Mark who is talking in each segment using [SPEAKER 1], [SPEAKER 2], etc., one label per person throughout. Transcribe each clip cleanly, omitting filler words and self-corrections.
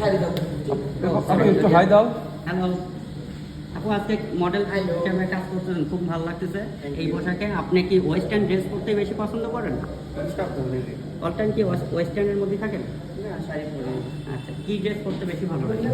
[SPEAKER 1] আপনি একটু হাই দাও।
[SPEAKER 2] হ্যালো আপু, আজকে মডেল হিসেবে কাজ করছেন, খুব ভালো লাগতেছে এই পোশাকে। আপনি কি ওয়েস্টার্ন ড্রেস পরতে বেশি পছন্দ করেন? অল টাইম কি ওয়েস্টার্নের মধ্যে থাকেন? আচ্ছা, কি ড্রেস পরতে বেশি ভালো লাগে?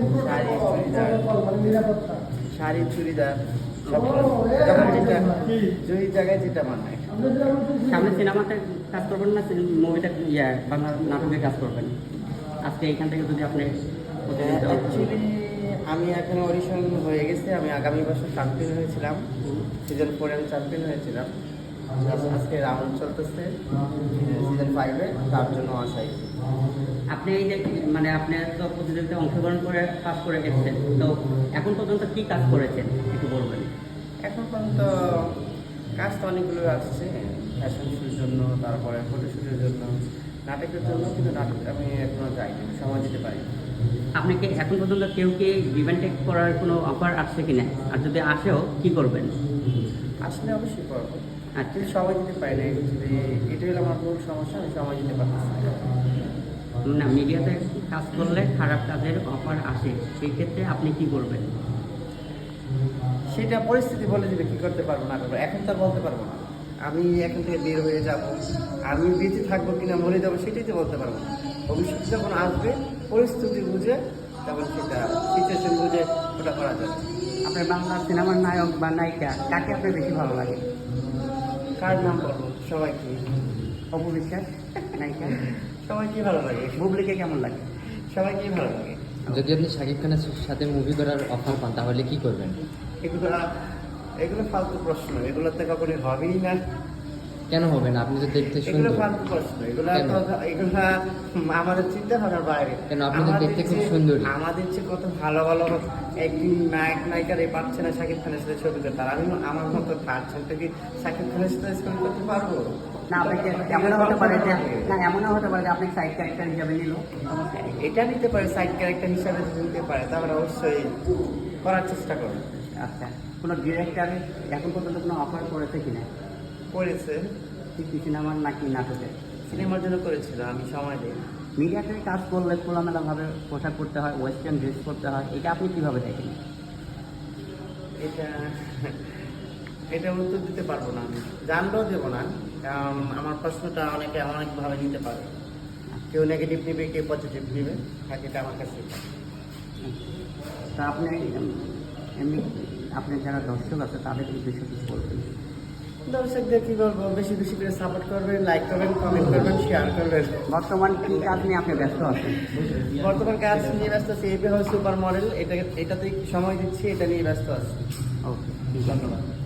[SPEAKER 3] শাড়ি চুড়িদার সব যেটা যেই জায়গায় যেটা মানায়।
[SPEAKER 2] সামনে সিনেমাতে কাজ করবেন না মুভিতে, বাংলা নাটকে কাজ করবেন? আজকে এইখান থেকে যদি আপনি
[SPEAKER 3] অ্যাকচুয়ালি আমি এখন অডিশন হয়ে গেছে, আমি আগামী বছর চ্যাম্পিয়ন হয়েছিলাম, সিজন 4 আমি চ্যাম্পিয়ন হয়েছিলাম। আজকে রাউন্ড চলতেছে সিজন 5-এ, তার জন্য আশাই।
[SPEAKER 2] আপনি এই যে মানে আপনি তো প্রতিযোগিতায় অংশগ্রহণ করে পাস করে গেছেন, তো এখন পর্যন্ত কি কাজ করেছেন একটু বলবেন?
[SPEAKER 3] এখন পর্যন্ত কাজ তো অনেকগুলো আসছে, ফ্যাশন শোর জন্য, তারপরে ফটোশ্যুটের জন্য, নাটকের জন্য, কিন্তু নাটক আমি এখনো যাইনি, সময় দিতে পারি।
[SPEAKER 2] আপনি কি এখন পর্যন্ত কেউ কি ডিভেন্টেক করার কোনো অফার আসছে কিনা, আর যদি আসেও কি করবেন?
[SPEAKER 3] আসলে অবশ্যই করবো,
[SPEAKER 2] আচ্ছা,
[SPEAKER 3] কিন্তু সময় দিতে পারি না। এটাই হলো আমার মূল সমস্যা, আমি সময় দিতে পারতেছি না।
[SPEAKER 2] না, মিডিয়াতে কাজ করলে খারাপ কাজের অফার আসে, সেই ক্ষেত্রে আপনি কি করবেন?
[SPEAKER 3] সেটা পরিস্থিতি বলে দিবে কি করতে পারবো না করবো, এখন তো আর বলতে পারবো না। আমি এখান থেকে বের হয়ে যাব, আমি বেঁচে থাকবো কিনা মরে যাবো সেটাই তো বলতে পারবো না। ভবিষ্যতে যখন আসবে পরিস্থিতি বুঝে, তখন সেটা সিচুয়েশন বুঝে ওটা করা যাবে।
[SPEAKER 2] আপনার বাংলা সিনেমার নায়ক বা নায়িকা কাকে আপনার বেশি ভালো লাগে?
[SPEAKER 3] কার নাম বলবো? সবাইকে।
[SPEAKER 2] অপু বিশ্বাস নায়িকা?
[SPEAKER 3] সবাইকে ভালো লাগে,
[SPEAKER 2] বুবলিকে কেমন লাগে?
[SPEAKER 3] সবাইকেই ভালো লাগে।
[SPEAKER 4] যদি আপনি শাকিব খানের সাথে মুভি করার অফার পান তাহলে কি করবেন?
[SPEAKER 3] এগুলো ফালতু প্রশ্ন, এগুলোতে কখনোই হবেই না।
[SPEAKER 4] কেন হবে না? আপনি তো দেখতে
[SPEAKER 3] এগুলো
[SPEAKER 4] সুন্দর।
[SPEAKER 3] ফালতু প্রশ্ন, এগুলো
[SPEAKER 4] কেন?
[SPEAKER 3] আমাদের চিন্তা ভাবনার বাইরে।
[SPEAKER 4] কেন? আপনি তো দেখতে খুব সুন্দরী।
[SPEAKER 3] আমাদের চেয়ে কত ভালো ভালো একদিন নায়ক নায়িকারে পাচ্ছে না শাকিব খানের সাথে ছবি করতে, আর আমি আমার মতো পারছেন তো কি শাকিব খানের সাথে ছবি করতে পারবো
[SPEAKER 2] না, আপনাকে এমনও হতে পারে যে এমনও হতে পারে যে আপনি সাইড ক্যারেক্টার হিসাবে নিল।
[SPEAKER 3] এটা নিতে পারে, সাইড ক্যারেক্টার হিসাবে যদি নিতে পারে তাহলে অবশ্যই করার চেষ্টা করবে।
[SPEAKER 2] আচ্ছা, কোনো ডিরেক্টর এখন পর্যন্ত কোনো অফার করেছে কিনা?
[SPEAKER 3] করেছে,
[SPEAKER 2] কি সিনেমার নাকি নাটকে?
[SPEAKER 3] সিনেমার জন্য করেছিল, আমি সময় দিই।
[SPEAKER 2] মিডিয়াতে কাজ করলে খোলামেলাভাবে পোশাক করতে হয়, ওয়েস্টার্ন ড্রেস করতে হয়, এটা আপনি কীভাবে দেখেন?
[SPEAKER 3] এটা এটা উত্তর দিতে পারবো না, আমি জানলেও দেবো না, কারণ আমার প্রশ্নটা অনেকে অনেকভাবে নিতে পারে। কেউ নেগেটিভ নেবে, কেউ পজিটিভ নেবে, থাকে এটা আমার কাছে।
[SPEAKER 2] তা আপনি এমনি আপনার যারা দর্শক আছে তাদের উদ্দেশ্যে কিছু বলবেন?
[SPEAKER 3] দর্শকদের কি বলবো, বেশি বেশি করে সাপোর্ট করবেন, লাইক করবেন, কমেন্ট করবেন, শেয়ার করবেন।
[SPEAKER 2] বর্তমান কি কাজ নিয়ে আপনি ব্যস্ত আছেন?
[SPEAKER 3] বর্তমান কাজ নিয়ে ব্যস্ত আছি, এই সুপার মডেল, এটাতেই সময় দিচ্ছি, এটা নিয়ে ব্যস্ত আছি।
[SPEAKER 2] ওকে, ধন্যবাদ।